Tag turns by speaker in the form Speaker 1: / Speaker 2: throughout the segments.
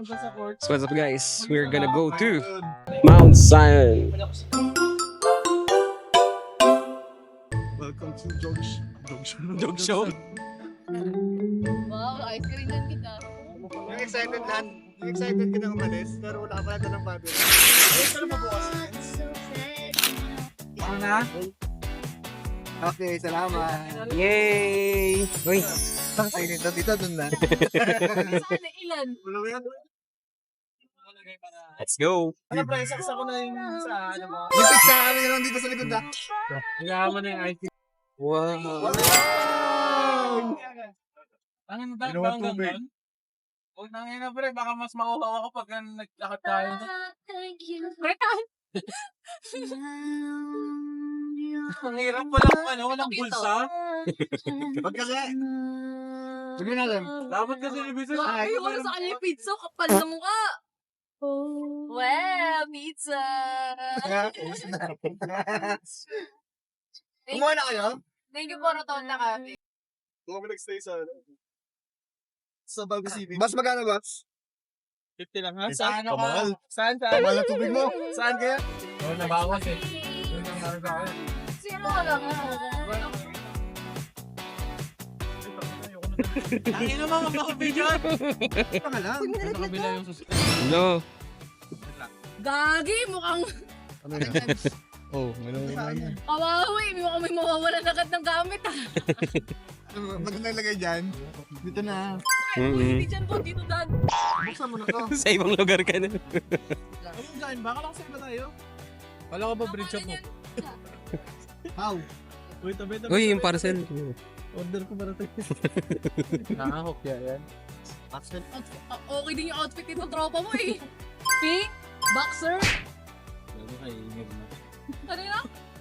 Speaker 1: So what's up guys? We're gonna go to Mount Zion.
Speaker 2: Welcome to Dog
Speaker 1: Show.
Speaker 3: Wow, ice cream yan kita.
Speaker 2: Yung excited lahat. Yung excited ka na umalis, pero wala pa natin ng battery. Ayun ka na mabukas. Baka na? Okay, salamat.
Speaker 1: Yay! Uy,
Speaker 2: Ay, dito, dun na.
Speaker 3: Sana ilan?
Speaker 2: Wala ba yan?
Speaker 1: let's go.
Speaker 4: Ano pre, saksa ko na yung sa ano mo.
Speaker 2: Yung pizza kami na lang dito sa likod na.
Speaker 4: Hilahan mo na yung ice cream.
Speaker 1: Wow.
Speaker 4: Ano na tayo
Speaker 2: Ginawa
Speaker 4: ba hanggang
Speaker 2: tubig.
Speaker 4: doon? Huwag na ngayon na pre, baka mas mauhaw ako pag naglakad tayo.
Speaker 3: Bertan!
Speaker 4: Ang hirap, walang bulsa.
Speaker 2: Wag kasi. Sige natin.
Speaker 4: Dapat kasi ibisin.
Speaker 3: Ay, wala sa kanya yung pizza, kapal na mukha. Well, pizza!
Speaker 2: Kumuha na kayo?
Speaker 3: Thank you po, Rotonda Cafe.
Speaker 2: Kung kami nag-stay sa Bago City. Bas magkano, Bas?
Speaker 4: 50 lang ha?
Speaker 2: Saan
Speaker 4: Saan
Speaker 2: ka?
Speaker 4: ka? Saan?
Speaker 2: Kamal na tubig mo. Saan kaya?
Speaker 4: Oo, nabawas eh. Yun ang sabi sa akin.
Speaker 3: Sino ka lang?
Speaker 4: Tangin naman ang makabidyan.
Speaker 2: Ito ka lang.
Speaker 4: Sa kabila yung susunod.
Speaker 1: No.
Speaker 3: Gagi, mukhang
Speaker 2: Ano yan? Oh, may yan.
Speaker 3: kawawi. Mukhang may mawawalan agad ng gamit ah.
Speaker 2: Maganda ilagay dyan. Dito na.
Speaker 1: Mm-mm.
Speaker 3: Hindi dyan po, dito dan.
Speaker 2: Buksan mo na to.
Speaker 1: Sa ibang lugar ka na.
Speaker 4: Ano dyan? Baka lang sa iba tayo. Wala ka ba bridge up mo?
Speaker 2: How?
Speaker 4: Uy, tabi.
Speaker 1: Uy, yung parcel.
Speaker 4: Order ko para tayo. Nakahok yan.
Speaker 3: Okay din yung outfit nito, tropa mo eh. Pink, boxer,
Speaker 4: Lalo kayo, ingay na.
Speaker 3: ano yun?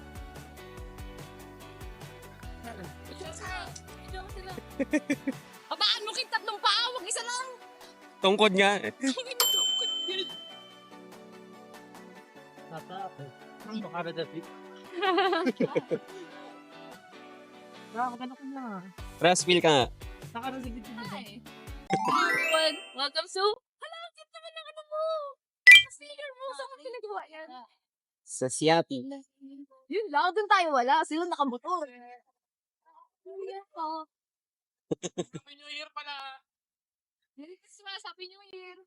Speaker 3: Abaan mo king tatlong paa, wag isa lang.
Speaker 1: Tungkod nga.
Speaker 4: Tata. Baka na dati. Nakakagano ko na.
Speaker 1: Raspil ka nga.
Speaker 4: Nakarasigit ko na.
Speaker 3: Hi. Everyone, welcome to... Hala, ang cute naman ng ano mo. Sticker mo, saan ka pinagawa yan?
Speaker 1: Sa Siati.
Speaker 3: Yun lang, dun tayo wala. Sila nakamotor. Yan pa.
Speaker 4: Happy New Year pala.
Speaker 3: Merry Christmas, Happy New Year.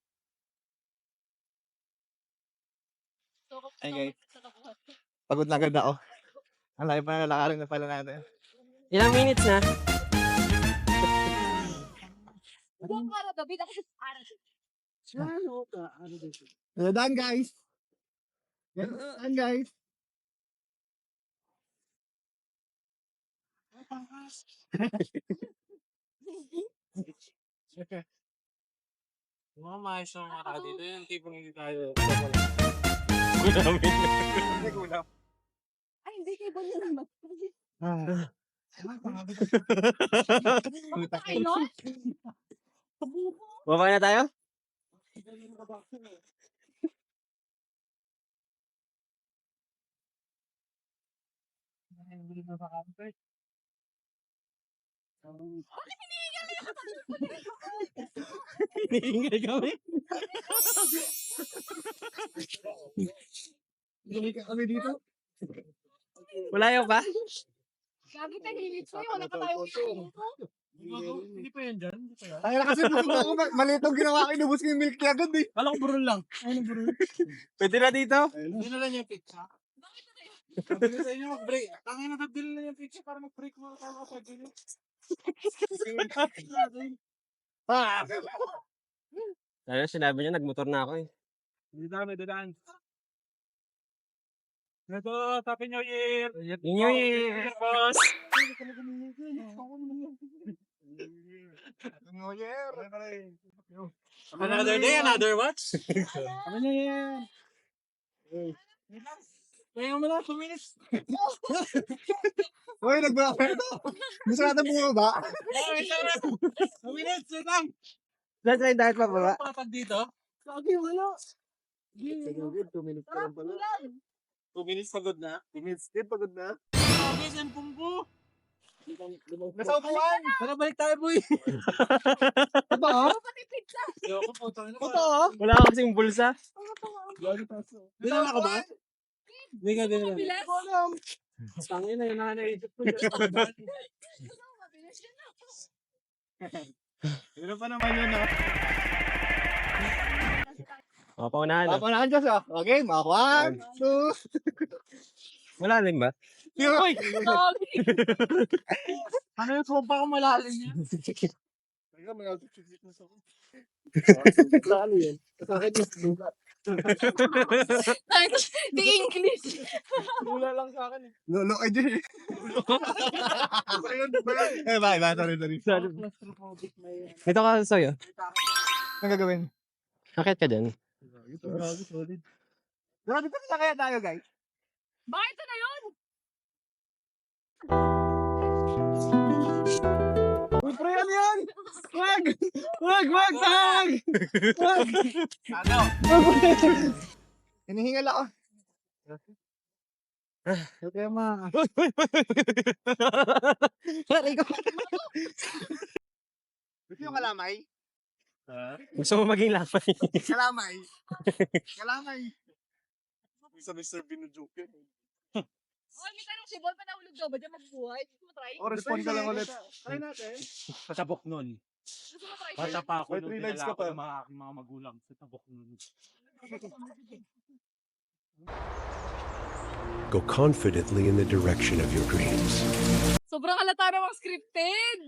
Speaker 2: Ay, guys. Pagod na agad ako. Ang layo pa na lalakarin na pala natin.
Speaker 1: Ilang minutes na?
Speaker 3: Huwag para gabi, para
Speaker 2: Daan, guys. Daan, guys.
Speaker 4: Mga maayos na mga tao dito. Yung tipong hindi tayo.
Speaker 3: Ay, hindi kayo ba nyo naman?
Speaker 2: Ah.
Speaker 3: Ay, no?
Speaker 1: Baba na tayo? Hinihingal kami.
Speaker 2: Bumili ka kami dito.
Speaker 1: Wala pa?
Speaker 3: Gagi tayo, hilit sa'yo. Wala pa tayong
Speaker 4: Hindi pa yan dyan. Hindi pa yan.
Speaker 2: Ay, kasi busog ako. Maliit ang ginawa ko. Inubos ko yung milk niya agad eh.
Speaker 4: Kala ko burol lang. Ayun ang burol.
Speaker 1: Pwede na dito?
Speaker 4: Hindi na lang yung pizza. Sabi ko sa inyo mag-break. Tangin na nabili na yung pizza para mag-break mo. Kala ko sa gilid.
Speaker 2: Ah!
Speaker 1: Ano, sinabi niya, nagmotor na ako eh.
Speaker 4: Hindi na kami dadaan. Ito, Happy New Year!
Speaker 1: New Year!
Speaker 4: Boss!
Speaker 2: New Year!
Speaker 4: Another day, another watch? Happy New Year! Kaya mo na, 2 minutes.
Speaker 2: Uy, nagbawa ito. Gusto natin bumaba.
Speaker 4: Wait lang. 2 minutes, wait lang.
Speaker 2: Let's try dahil pa baba.
Speaker 4: Patag dito.
Speaker 3: Gagi, wala.
Speaker 2: 2 minutes pa lang pala.
Speaker 4: 2 minutes pagod na.
Speaker 2: 2 minutes din, pagod na.
Speaker 4: Sabi, cellphone ko.
Speaker 2: Nasa upuan!
Speaker 4: Tara, balik tayo, boy.
Speaker 2: Totoo?
Speaker 3: Pati pizza.
Speaker 4: Ayoko po, tangin na.
Speaker 2: Totoo?
Speaker 1: Wala kasing bulsa.
Speaker 4: Dinala ka ba? Hindi ka dinala.
Speaker 3: Mabilis.
Speaker 4: Tangin na, yun na naisip ko.
Speaker 3: Mabilis yun na.
Speaker 2: Ano pa naman yun, no?
Speaker 1: O, paunahan na.
Speaker 2: Papunahan Diyos, oh. Okay, mga 1, 2.
Speaker 1: Wala rin ba?
Speaker 2: Uy!
Speaker 3: Sorry.
Speaker 4: Ano yung sopa ko malalim niya?
Speaker 2: Teka, may altitude na sa ako.
Speaker 4: Saan yun? Sa akin yung sugat.
Speaker 3: The English.
Speaker 4: Wala lang sa akin eh.
Speaker 2: Lolo ka dyan eh. Eh, bye, sorry.
Speaker 4: Claustrophobic na yun.
Speaker 1: Ito ka sa'yo.
Speaker 2: Anong gagawin?
Speaker 1: Akit ka dyan.
Speaker 2: Grabe, solid. Grabe, dito na kaya tayo, guys.
Speaker 3: Bakit ito na yun?
Speaker 2: Uy, pre, ano yan? Wag! Wag! Ano? Hinihingal ako. Okay, ma. Aray ko. Gusto yung kalamay?
Speaker 1: Gusto mo maging lamay?
Speaker 2: Kalamay.
Speaker 4: Sa Mr. Binujoke yun.
Speaker 3: Oy, may tanong si Bon, panahulog daw ba dyan magbuhay? Gusto mo try?
Speaker 2: O, respond ka lang ulit. Try natin.
Speaker 4: Sa tabok nun.
Speaker 3: Gusto mo try?
Speaker 4: Bata pa ako
Speaker 2: May
Speaker 4: nung
Speaker 2: 3 lives
Speaker 4: dinala
Speaker 2: ka
Speaker 4: ako
Speaker 2: pa.
Speaker 4: ng mga aking mga magulang sa tabok nun.
Speaker 5: Go confidently in the direction of your dreams.
Speaker 3: Sobrang halata namang scripted.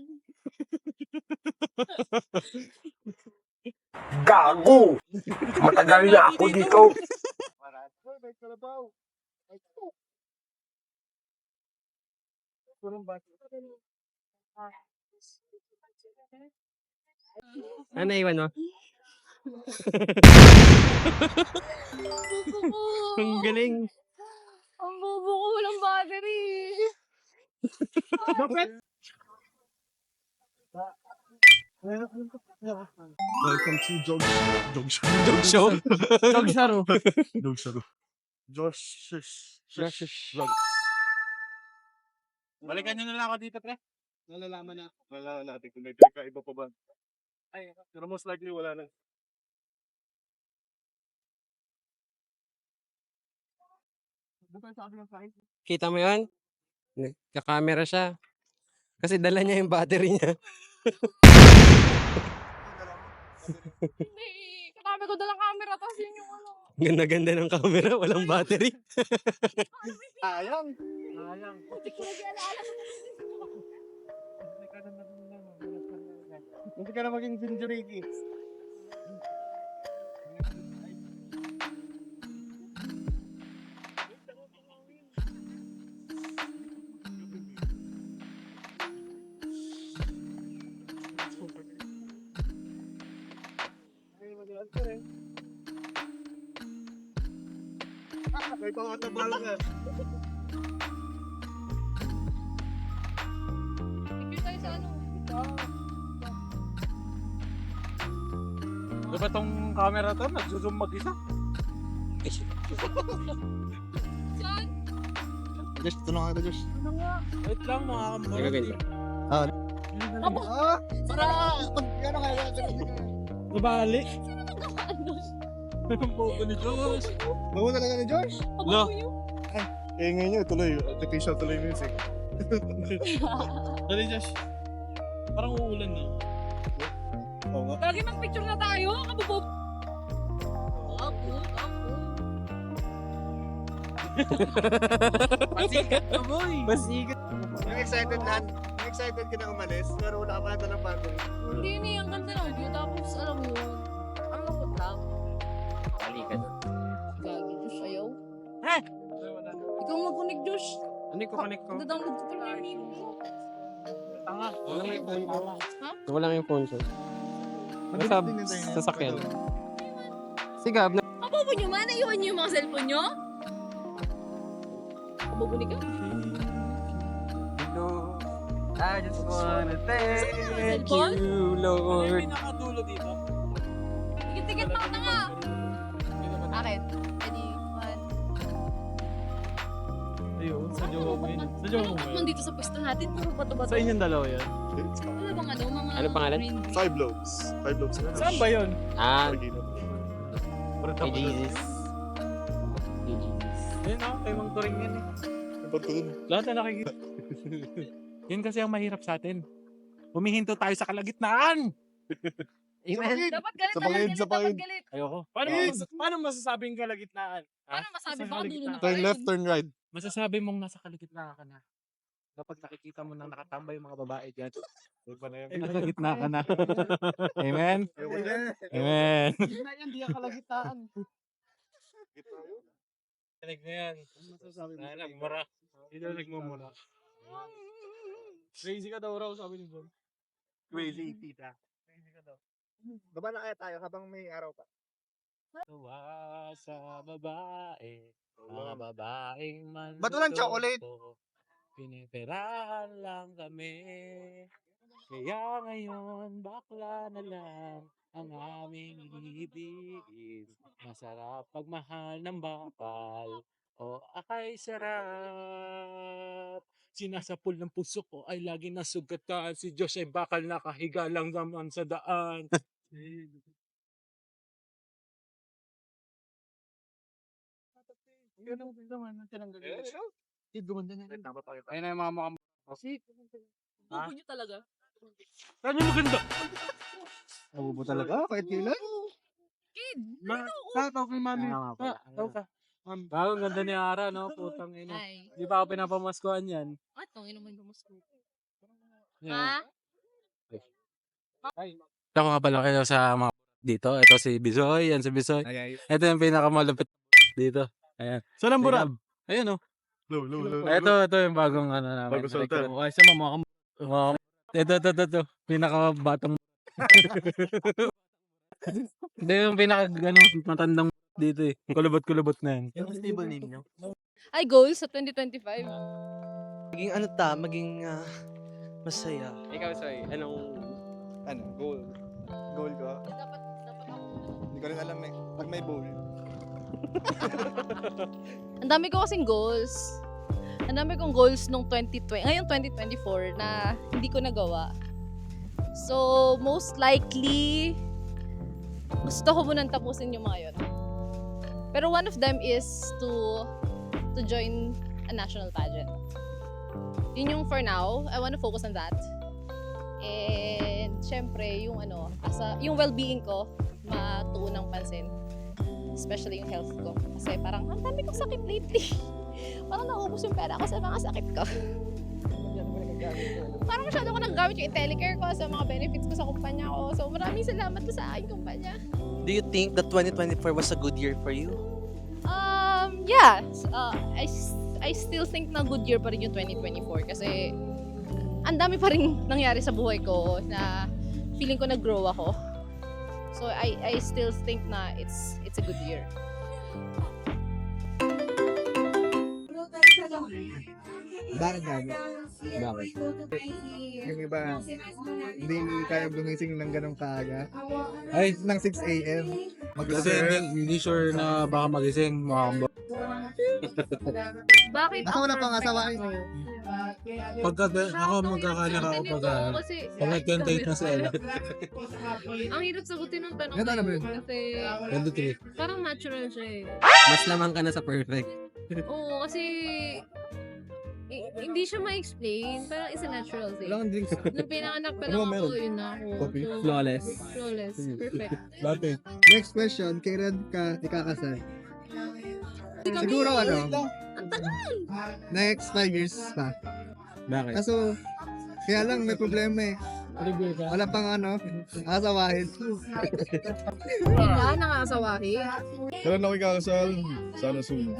Speaker 1: Gago! Matagal na ako dito.
Speaker 2: May kalabaw.
Speaker 1: Ano iwan mo?
Speaker 3: Ang bobo ko.
Speaker 1: Ang galing.
Speaker 3: Ang bobo ko, walang battery.
Speaker 2: Welcome to Jog Show.
Speaker 1: Dog show?
Speaker 2: Jog Show. Jog Show.
Speaker 4: Balikan nyo na lang ako dito, pre. Nalalaman na.
Speaker 2: Wala natin kung may pinakaiba pa ba.
Speaker 4: Ay, pero most likely wala na.
Speaker 1: Kita mo yun? Nagka-camera siya. Kasi dala niya yung battery niya.
Speaker 3: Hindi. Katabi ko dalang camera, tapos yun yung ano.
Speaker 1: Ganda-ganda ng camera, walang battery.
Speaker 2: Ayang.
Speaker 3: Putik ko lagi alaala ko.
Speaker 2: Hindi ka na maging Vinjuriki. May pangatabala ka.
Speaker 3: Picture tayo sa ano.
Speaker 4: Di ba tong camera to? Nagsusum mag-isa?
Speaker 3: Saan?
Speaker 2: Josh, tulungan kita, Josh.
Speaker 4: Wait lang, mga
Speaker 1: Nagaganda.
Speaker 3: Abo!
Speaker 2: Para! Ano kaya?
Speaker 4: Nabali.
Speaker 3: Sino nagkakaano?
Speaker 4: Ang bobo ni Diyos.
Speaker 2: Bago talaga ni Josh?
Speaker 3: Abo ko yun.
Speaker 2: Eh, ngayon yun, tuloy. Artificial tuloy music.
Speaker 4: Dali, Josh. Parang uulan na.
Speaker 2: Oo nga.
Speaker 3: Lagi mag-picture na tayo. Kabubob. Ako.
Speaker 4: Pasikat na, boy.
Speaker 1: Basigat.
Speaker 2: Yung excited ka na umalis, pero wala ka pa na dalang battery.
Speaker 3: Hindi yun eh. Ang ganda ng view. Tapos alam mo yun. Ang lungkot lang.
Speaker 1: Balikan.
Speaker 3: Gagi, Diyos, ayaw.
Speaker 4: Ha?
Speaker 3: Ikaw mag-connect, Diyos.
Speaker 1: Ano yung connect ko?
Speaker 3: Nag-download ko pala yung video.
Speaker 4: Tanga.
Speaker 1: Wala yung phone ko.
Speaker 3: Ha?
Speaker 1: Wala yung phone ko. Nasa sasakyan. Sigab na.
Speaker 3: Kabobo nyo man. Naiwan nyo yung mga cellphone nyo? Kabobo ni ka?
Speaker 1: I just wanna thank
Speaker 3: Cellphone?
Speaker 1: you,
Speaker 4: Ano
Speaker 1: Lord.
Speaker 4: yung pinakadulo dito?
Speaker 3: Tikit-tikit mo na nga. Akin. Ready? 1.
Speaker 4: Ayun, sa jowa mo yun. Sa jowa mo
Speaker 3: Ano
Speaker 4: yun.
Speaker 3: naman dito sa pwesto natin? Puro bato-bato.
Speaker 4: Sa inyong dalawa yan.
Speaker 3: Wala bang ano, mga
Speaker 1: Ano pangalan?
Speaker 3: green.
Speaker 2: 5 lobes. 5 lobes na.
Speaker 4: Saan ba yun?
Speaker 1: Kay Jesus.
Speaker 4: Ayun o, kay Mang Turing yan eh. Lahat na nakikita. Yun kasi ang mahirap sa atin. Humihinto tayo sa kalagitnaan.
Speaker 1: Amen.
Speaker 3: Dapat galit,
Speaker 2: Sa
Speaker 3: dapat
Speaker 2: pangid,
Speaker 3: galit,
Speaker 2: sa
Speaker 3: dapat
Speaker 2: pangid.
Speaker 3: galit.
Speaker 4: Ayoko. Paano masasabing kalagitnaan?
Speaker 3: Paano masabi? Baka dulo na
Speaker 2: Turn
Speaker 3: tayo.
Speaker 2: left, turn right.
Speaker 4: Masasabi mong nasa kalagitnaan ka na. Kapag nakikita mo nang nakatambay yung mga babae dyan, nasa gitna ka na. Amen? Amen.
Speaker 2: Gitna yan, di ang kalagitnaan.
Speaker 4: Tanig na yan.
Speaker 2: Masasabi mo.
Speaker 4: Nagmura. Hindi na nagmumura. Crazy ka daw raw, sabi ni John.
Speaker 2: Crazy, tita.
Speaker 4: Crazy ka daw.
Speaker 2: Baba na kaya tayo habang may araw pa.
Speaker 4: Tuwa sa babae, mga babaeng man.
Speaker 2: Ba't walang chocolate?
Speaker 4: Piniperahan lang kami. Kaya ngayon, bakla na lang ang aming ibigin. Masarap pagmahal ng bakal. O akay sarap. Sinasapul ng puso ko ay lagi nasugatan. Si Diyos ay bakal nakahiga lang naman sa daan. Ganun naman ang tinanggal yun. Gumanda na rin. Ayun na yung mga mukhang
Speaker 3: Bubo niyo talaga.
Speaker 4: Ano maganda?
Speaker 2: Nabubo talaga, kahit kailan.
Speaker 3: Kid,
Speaker 4: Tawag kay mami. Tawag ka. Bago ang ganda ni Ara, no? Putang ina.
Speaker 3: ay.
Speaker 4: Di ba ako pinapamaskuhan yan?
Speaker 3: At tong ino mo yung gumusco.
Speaker 4: Yeah.
Speaker 3: Ha?
Speaker 4: Ako nga pala kayo sa mga dito. Ito si Bisoy. Yan si Bisoy.
Speaker 2: Ay, ay.
Speaker 4: Ito yung pinakamalapit dito. Ayan. Saan ang burab? Ayun, oh.
Speaker 2: Low.
Speaker 4: Ito yung bagong ano namin.
Speaker 2: Bagong sultan.
Speaker 4: Ay, sa mga ito. Pinakabatang Hindi yung matandang dito eh. Kulubot na yan.
Speaker 6: Yung stable name nyo?
Speaker 3: Ay, goals sa 2025.
Speaker 6: Maging masaya.
Speaker 1: Ikaw, Soy, anong...
Speaker 2: Ano, goal. Goal ko.
Speaker 3: Dapat ako.
Speaker 2: Hindi ko rin alam eh. Pag may bowl.
Speaker 3: Ang dami ko kasing goals. Ang dami kong goals nung 2020, ngayong 2024 na hindi ko nagawa. So, most likely, gusto ko munang tapusin yung mga yun. Pero one of them is to join a national pageant. Yun yung for now. I want to focus on that. And, syempre, yung yung well-being ko, matuon ng pansin. Especially yung health ko. Kasi parang, ang dami kong sakit lately. Parang naubos yung pera ko sa mga sakit ko. Parang masyado ko naggamit yung IntelliCare ko sa mga benefits ko sa kumpanya ko. So maraming salamat po sa aking kumpanya.
Speaker 6: Do you think that 2024 was a good year for you?
Speaker 3: Yeah. I still think na good year pa rin yung 2024 kasi ang dami pa rin nangyari sa buhay ko na feeling ko nag-grow ako. So I still think na it's a good year.
Speaker 2: Bakit gabi?
Speaker 1: Bakit?
Speaker 2: Yung iba, hindi kaya gumising ng ganong kaaga.
Speaker 4: Ay,
Speaker 2: Ng 6 a.m.
Speaker 4: kasi hindi sure na baka magising.
Speaker 3: Bakit?
Speaker 2: Ako na pangasawain.
Speaker 4: Ako magkakala ako
Speaker 3: Kasi
Speaker 4: pag nag-28 na si Ella.
Speaker 3: ang hirap sagutin ng tanong
Speaker 2: Ito na ba yun?
Speaker 3: kasi
Speaker 4: 23.
Speaker 3: parang natural siya eh.
Speaker 1: Mas lamang ka na sa perfect.
Speaker 3: Oo, kasi hindi siya ma-explain. Parang it's a natural thing.
Speaker 2: Wala kang drinks.
Speaker 3: Nung pinanganak pa
Speaker 2: Ano
Speaker 3: lang
Speaker 2: ba
Speaker 3: ako,
Speaker 2: meron?
Speaker 3: yun na ako.
Speaker 2: Coffee?
Speaker 3: So,
Speaker 1: Flawless.
Speaker 3: flawless. Perfect.
Speaker 4: Dati.
Speaker 2: Next question, kay Red ka ikakasal. Siguro ano, next 5 years pa.
Speaker 1: Bakit?
Speaker 2: Kaso, kaya lang may problema eh. Wala pang asawahin.
Speaker 3: Hindi na, nangasawahi.
Speaker 2: Kailan ako ikakasal? Sana soon.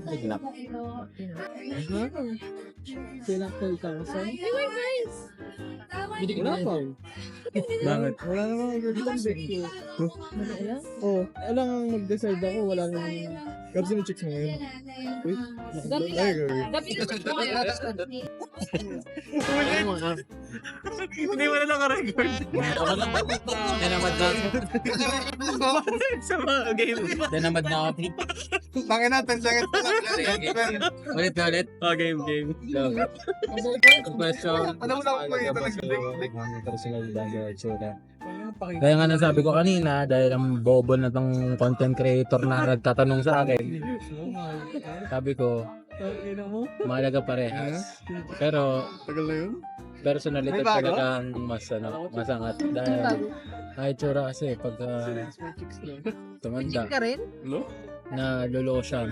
Speaker 3: Hey, my friends!
Speaker 2: Wala pa.
Speaker 4: Bakit?
Speaker 2: Wala namang girlfriend eh. Oo, alang ang mag-decide ako, wala namang... Kapsi mo chicks mo ngayon.
Speaker 3: Gabi
Speaker 2: Ay, girl.
Speaker 3: Gabi na ko kayo.
Speaker 4: Hindi mo na naka-record. Dinamad na. Sa mga game. Dinamad na ako.
Speaker 2: Tangin na, 10 seconds pa lang.
Speaker 1: Ulit na ulit.
Speaker 7: Oh, game. Go. Question.
Speaker 2: Ano mo na ako ito
Speaker 4: Kaya nga nasabi ko kanina, dahil ang bobo na tong content creator na nagtatanong sa akin, sabi ko, mahalaga parehas. Pero,
Speaker 2: Tagal na yun?
Speaker 4: personality
Speaker 2: May bago?
Speaker 4: talaga ang masangat. Dahil, kahit tsura kasi, pagka tumanda,
Speaker 3: ka rin?
Speaker 4: na lolo siya.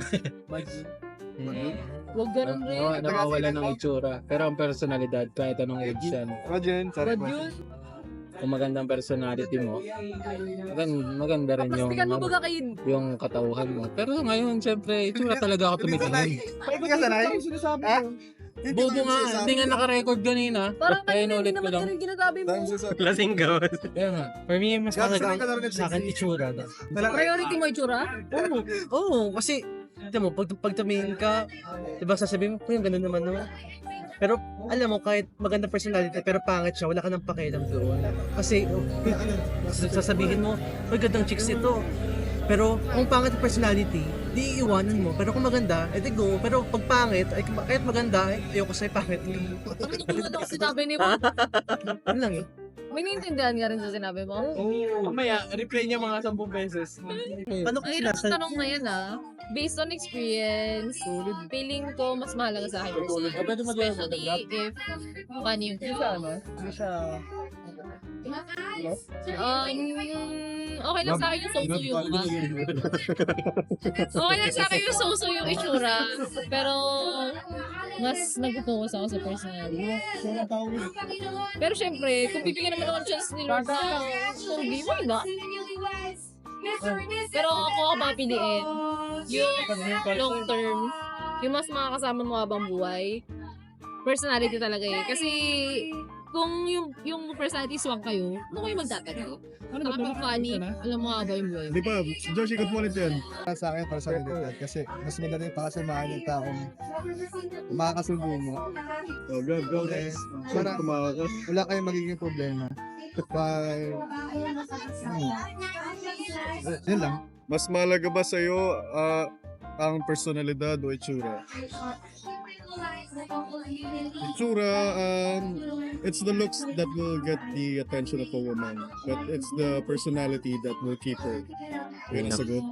Speaker 3: Huwag ganun rin.
Speaker 4: Nawawala ng itsura. Pero ang personalidad, kahit anong age yan,
Speaker 2: Rodyan, sorry po.
Speaker 4: kung magandang personality mo, maganda rin yung,
Speaker 3: Pastikan mo baga kayo.
Speaker 4: yung katauhan mo. Pero ngayon, syempre, itsura talaga ako tumitingin.
Speaker 2: Hindi ka sanay? Ha?
Speaker 4: Bobo nga, hindi nga naka-record kanina.
Speaker 3: Parang
Speaker 4: Kaya
Speaker 3: kanina
Speaker 4: inulit
Speaker 3: hindi
Speaker 4: ko
Speaker 3: naman
Speaker 4: lang.
Speaker 3: ganun ginasabi mo.
Speaker 7: Lasing gawin.
Speaker 4: Kaya nga.
Speaker 7: For me, mas
Speaker 2: Gabi
Speaker 7: mahalaga
Speaker 2: sanay ka na rin
Speaker 7: sa akin itsura.
Speaker 3: Priority mo itsura?
Speaker 7: Oo, kasi, di mo, pag tumingin ka, di ba sasabihin mo, yung ganun naman naman. Pero, alam mo, kahit maganda personality, pero pangit siya, wala ka nang pakialam doon. Kasi, sasabihin mo, ay, gandang chicks ito. Pero, kung pangit ang personality, di iiwanan mo. Pero kung maganda, edi go. Pero pag pangit, ay, kahit maganda, ay, ayoko sa'yo pangit.
Speaker 3: Ano tulad ako sinabi ni mo?
Speaker 7: Ano lang eh.
Speaker 3: May naiintindihan ka rin sa sinabi mo?
Speaker 4: Mamaya, replay niya mga 10 beses.
Speaker 7: Paano
Speaker 3: Ang hirap ng tanong na yan based on experience, feeling ko mas mahalaga sa akin. Especially if paano yung okay lang sa akin yung so-so yung okay lang sa akin yung so-so yung itsura. Pero mas nag-focus ako sa personality. Pero syempre, kung bibigyan naman ako ng chance ni Lord na pogi, why not? Pero ako papiliin yung long term, yung mas makakasama mo habang buhay. Personality talaga eh. Kasi kung yung personality swak kayo, ano kayo magtatagal? Saka pag funny, alam mo habang yung buhay.
Speaker 2: Di ba, Josh, ikot mo ulit yun. Sa akin, para sa realidad. Kasi mas madali pakasamahan yung taong makakasubo mo. Oh, go guys. Para wala kayong magiging problema. Yun lang.
Speaker 8: Mas mahalaga ba sa'yo ang personalidad o itsura? Itsura, it's the looks that will get the attention of a woman. But it's the personality that will keep her. Yun ang sagot.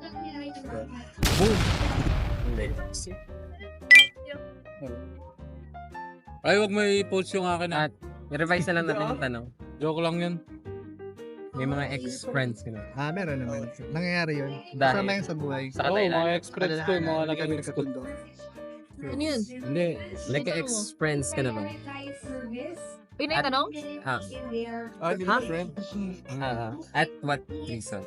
Speaker 4: Ay, wag mo i-post yung akin
Speaker 1: At i-revise na lang natin yung tanong.
Speaker 4: Joke lang yun.
Speaker 1: May mga ex-friends ka na.
Speaker 2: Meron naman. Nangyayari yun.
Speaker 1: Dahil-
Speaker 2: Kasama yun sa buhay.
Speaker 1: Sa
Speaker 4: Oo,
Speaker 1: Thailand.
Speaker 4: mga ex-friends ko, yung mga naging ko.
Speaker 3: Ano yun?
Speaker 4: Hindi.
Speaker 1: Nagka-ex-friends ka na ba?
Speaker 3: Yun na yung tanong?
Speaker 1: Friend? At what reason?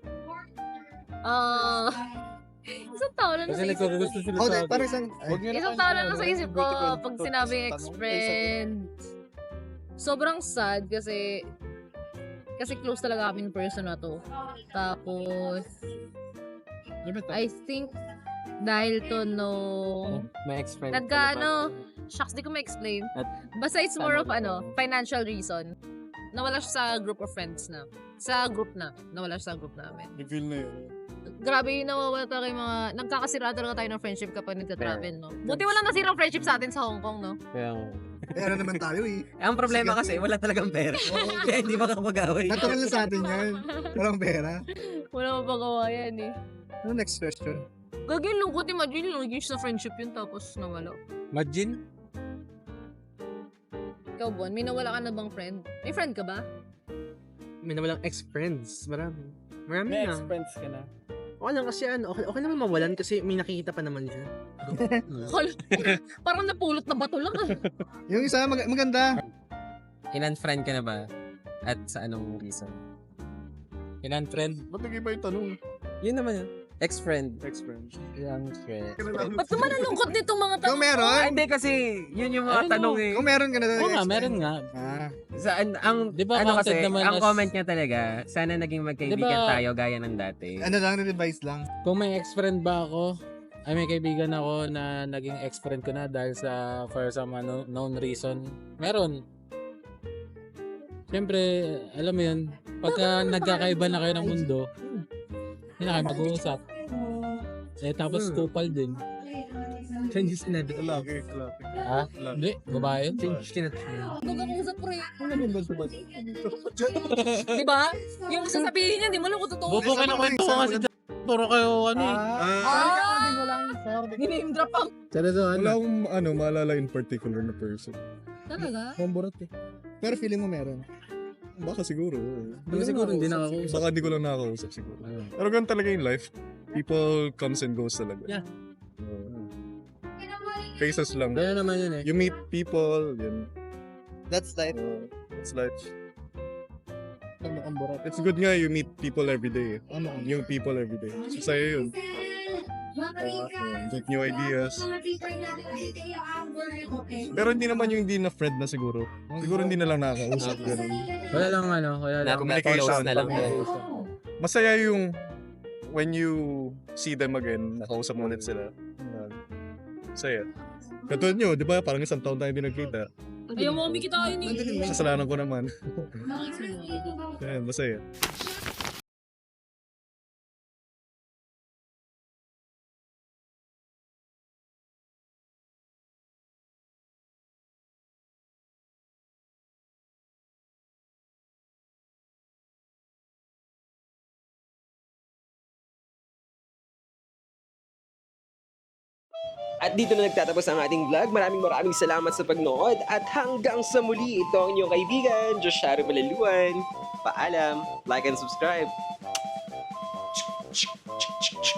Speaker 3: Isang taon na
Speaker 4: Kasi
Speaker 3: nasa isip ko.
Speaker 4: nagkagusto sila
Speaker 2: Oh,
Speaker 4: sa akin.
Speaker 2: parang isang...
Speaker 3: Isang taon na nasa isip ko pag sinabing ex-friend. Sobrang sad kasi close talaga kami in person na to. Tapos, I think dahil to
Speaker 1: May ex-friend.
Speaker 3: shucks, di ko ma-explain.
Speaker 1: At-
Speaker 3: Basta it's more of financial reason. Nawala siya sa group of friends na. Sa group na. Nawala siya sa group namin.
Speaker 8: I-feel na yun.
Speaker 3: Grabe yung nawawala talaga yung mga, nagkakasira talaga tayo ng friendship kapag nagka-travel, no? Buti walang nasirang friendship sa atin sa Hong Kong, no?
Speaker 1: Kaya,
Speaker 2: Ano naman tayo eh.
Speaker 1: ang problema kasi, wala talagang pera. Kaya hindi makakapag-away.
Speaker 2: Natural na sa atin yan. Walang pera.
Speaker 3: Wala mapagawa yan, eh.
Speaker 2: Ano next question?
Speaker 3: Gagawin lungkot, imagine lang, naging sa friendship yun, tapos nawala.
Speaker 4: Imagine?
Speaker 3: Ikaw, Bon, may nawala ka na bang friend? May friend ka ba?
Speaker 7: May nawalang ex-friends. Marami. Marami
Speaker 4: May
Speaker 7: na.
Speaker 4: ex-friends ka na.
Speaker 7: Okay lang kasi okay naman mawalan kasi may nakikita pa naman siya.
Speaker 3: Parang napulot na bato lang, ah.
Speaker 2: Yung isa, maganda.
Speaker 1: In-unfriend ka na ba? At sa anong reason?
Speaker 4: In-unfriend.
Speaker 8: Ba't nag-iba yung tanong?
Speaker 1: Yun naman yun. Ex-friend.
Speaker 8: Ex-friend.
Speaker 1: Young friend.
Speaker 3: Ba't naman ang lungkot nitong mga tanong?
Speaker 2: Kung meron,
Speaker 1: Ah, hindi kasi, yun yung mga
Speaker 4: Ayun,
Speaker 1: tanong eh.
Speaker 2: kung meron ka na doon.
Speaker 4: Oo nga, meron nga.
Speaker 1: Saan, ang,
Speaker 4: Di ba
Speaker 1: ano
Speaker 4: counted
Speaker 1: kasi,
Speaker 4: naman
Speaker 1: ang
Speaker 4: as-
Speaker 1: comment niya talaga, sana naging magkaibigan
Speaker 4: Diba-
Speaker 1: tayo gaya ng dati.
Speaker 2: Ano lang, revise lang.
Speaker 4: Kung may ex-friend ba ako, ay may kaibigan ako na naging ex-friend ko na dahil sa for some known reason. Meron. Siyempre, alam mo yun, pagka nagkakaiba na kayo ng mundo, hindi na kayo mag-uusap. Eh, tapos kupal din.
Speaker 7: Changes in edit.
Speaker 8: Lalaki.
Speaker 4: Ha? Hindi, babae.
Speaker 7: Changes in edit.
Speaker 3: Magkakausap pre.
Speaker 2: Ano
Speaker 3: Diba? Yung sasabihin niya, di mo lang kung totoo.
Speaker 4: Bobo ka na kwento ko kasi puro kayo ano eh.
Speaker 3: Name drop ang.
Speaker 4: Seryoso,
Speaker 8: Wala
Speaker 4: ano?
Speaker 8: akong maalala in particular na person.
Speaker 3: Talaga?
Speaker 2: Mamburat eh. Pero feeling mo meron.
Speaker 8: Baka siguro.
Speaker 4: Baka siguro hindi nakakausap.
Speaker 8: Baka di ko lang nakakausap siguro. Pero ganun talaga yung life. People comes and goes talaga.
Speaker 7: Yeah.
Speaker 8: Faces lang.
Speaker 4: Kaya naman yun eh.
Speaker 8: You meet people, yun.
Speaker 2: That's life.
Speaker 8: It's like,
Speaker 2: Ano kang burat?
Speaker 8: it's good nga you meet people every day.
Speaker 2: Ano kang
Speaker 8: New people every day. So sa'yo yun. Get new ideas. Pero hindi naman yung hindi na friend na siguro. Siguro hindi na lang nakakausap. Ganun.
Speaker 4: Wala lang ano, wala lang.
Speaker 8: Communication.
Speaker 6: na lang.
Speaker 8: Masaya yung when you see them again, nakausap mo ulit sila. Yan. Masaya. Katulad nyo, di ba? Parang isang taon tayo hindi nagkita.
Speaker 3: Ayaw mo kami kita yun eh.
Speaker 8: Kasalanan ko naman. Yan, masaya.
Speaker 9: At dito na nagtatapos ang ating vlog. Maraming salamat sa pagnood. At hanggang sa muli, ito ang inyong kaibigan, Josharo Malaluan. Paalam, like and subscribe.